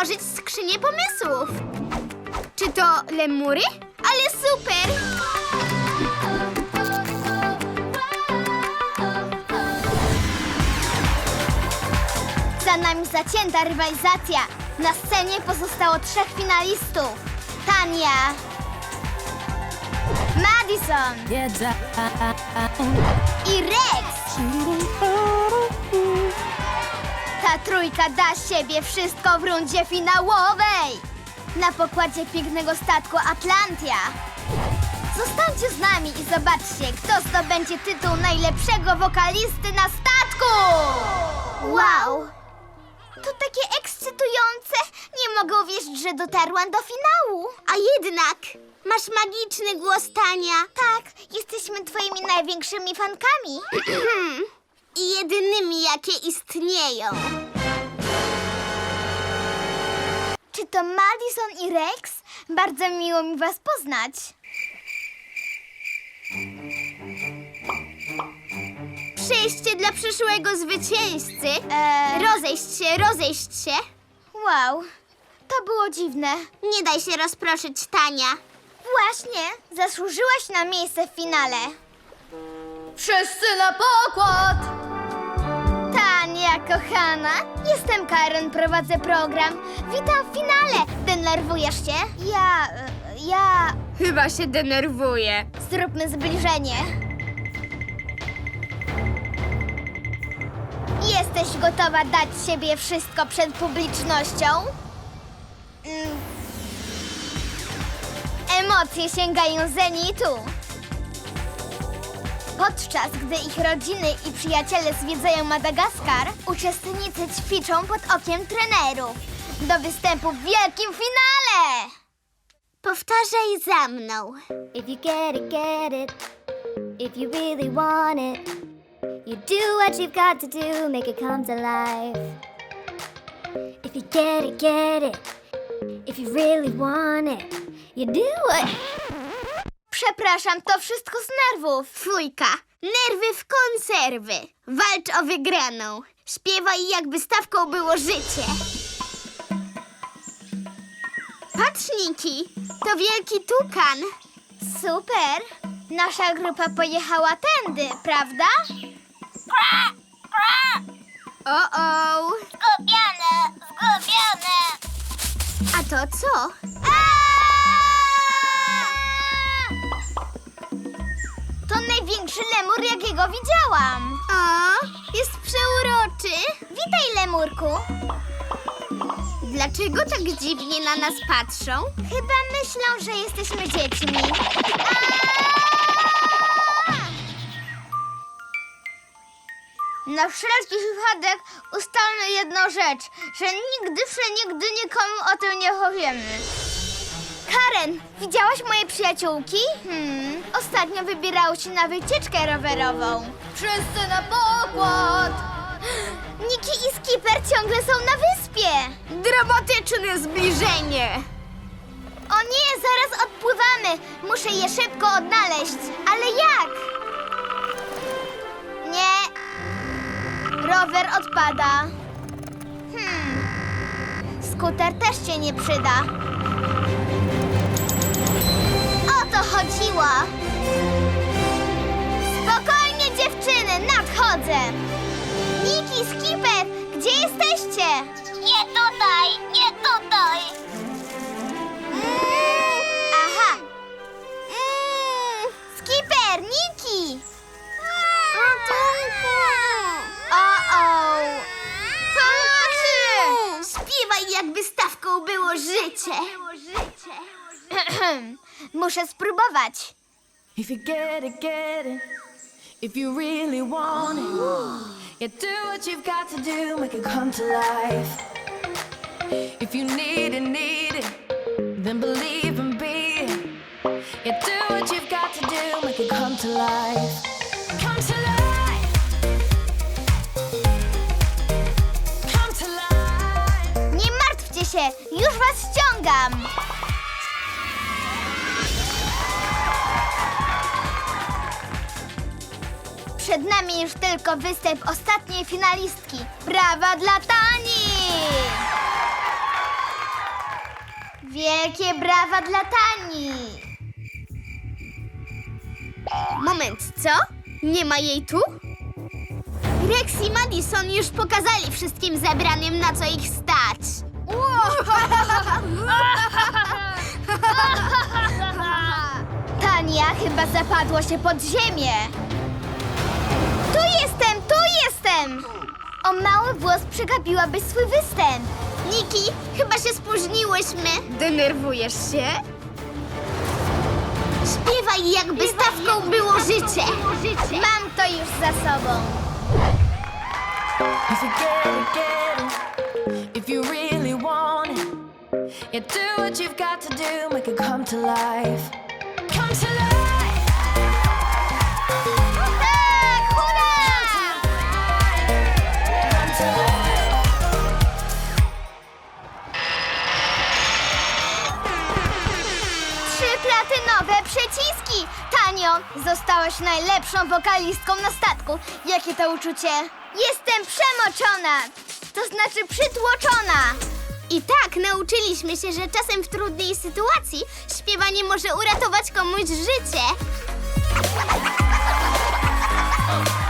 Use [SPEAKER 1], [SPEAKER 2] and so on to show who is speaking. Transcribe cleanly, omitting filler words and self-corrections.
[SPEAKER 1] otworzyć skrzynię pomysłów. Czy to lemury? Ale super! Za nami zacięta rywalizacja. Na scenie pozostało 3 finalistów. Tania, Madison i Rex. Ta trójka da z siebie wszystko w rundzie finałowej. Na pokładzie pięknego statku Atlantia. Zostańcie z nami i zobaczcie, kto zdobędzie tytuł najlepszego wokalisty na statku. Wow! To takie ekscytujące! Nie mogę uwierzyć, że dotarłam do finału. A jednak masz magiczny głos, Tania. Tak, jesteśmy twoimi największymi fankami. I jedynymi, jakie istnieją. Czy to Madison i Rex? Bardzo miło mi was poznać. Przejście dla przyszłego zwycięzcy. Rozejść się. Wow, to było dziwne. Nie daj się rozproszyć, Tania. Właśnie, zasłużyłaś na miejsce w finale. Wszyscy na pokład! Tania, kochana, jestem Karen, prowadzę program. Witam w finale. Denerwujesz się? Ja...
[SPEAKER 2] Chyba się denerwuję.
[SPEAKER 1] Zróbmy zbliżenie. Jesteś gotowa dać siebie wszystko przed publicznością? Emocje sięgają zenitu. Podczas gdy ich rodziny i przyjaciele zwiedzają Madagaskar, uczestnicy ćwiczą pod okiem trenerów do występu w wielkim finale. Powtarzaj za mną. If you get it, if you really want it, you do what you've got to do, make it come to life. If you get it, if you really want it, you do it. Przepraszam, to wszystko z nerwów. Fujka, nerwy w konserwy. Walcz o wygraną. Śpiewaj, jakby stawką było życie. Patrz, Niki, to wielki tukan. Super. Nasza grupa pojechała tędy, prawda? O-o. Zgubione. A to co? To największy lemur, jakiego widziałam. O, jest przeuroczy. Witaj, lemurku. Dlaczego tak dziwnie na nas patrzą? Chyba myślą, że jesteśmy dziećmi. Na wszelki wypadek ustalmy jedną rzecz, że nigdy nikomu o tym nie powiemy. Karen, widziałaś moje przyjaciółki? Ostatnio wybierały się na wycieczkę rowerową. Wszyscy na pokład! Niki i Skipper ciągle są na wyspie.
[SPEAKER 2] Dramatyczne zbliżenie.
[SPEAKER 1] O nie, zaraz odpływamy. Muszę je szybko odnaleźć. Ale jak? Nie. Rower odpada. Skuter też się nie przyda. O to chodziło. Spokojnie, dziewczyny, nadchodzę. Niki, Skipper, gdzie jesteście? Nie tutaj. Aha. Skipper, Niki. O-o. Pomocy! Śpiewaj, jakby stawką było życie. Muszę spróbować.
[SPEAKER 3] If you get it, if you really want it, you do what you've got to do, make it come to life. If you need it, then believe and be it. You do what you've got to do, make it come to life. Come to life. Come to life.
[SPEAKER 1] Nie martwcie się, już was ściągam. Przed nami już tylko występ ostatniej finalistki. Brawa dla Tani! Wielkie brawa dla Tani!
[SPEAKER 2] Moment, co? Nie ma jej tu? Rex i Madison już pokazali wszystkim zebranym, na co ich stać.
[SPEAKER 1] Tania chyba zapadła się pod ziemię. Tu jestem, tu jestem! O mały włos przegapiłabyś swój występ.
[SPEAKER 2] Niki, chyba się spóźniłyśmy. Denerwujesz się? Śpiewaj, jakby stawką było życie.
[SPEAKER 1] Mam to już za sobą.
[SPEAKER 3] If you get it, if you really want it, yeah, do what you've got to do, make it come to life. Come to life.
[SPEAKER 1] Tak, hurra!
[SPEAKER 3] Come to life.
[SPEAKER 1] Trzy platynowe przyciski! Tanio, zostałaś najlepszą wokalistką na statku. Jakie to uczucie? Jestem przemoczona! To znaczy przytłoczona!
[SPEAKER 2] I tak nauczyliśmy się, że czasem w trudnej sytuacji śpiewanie może uratować komuś życie.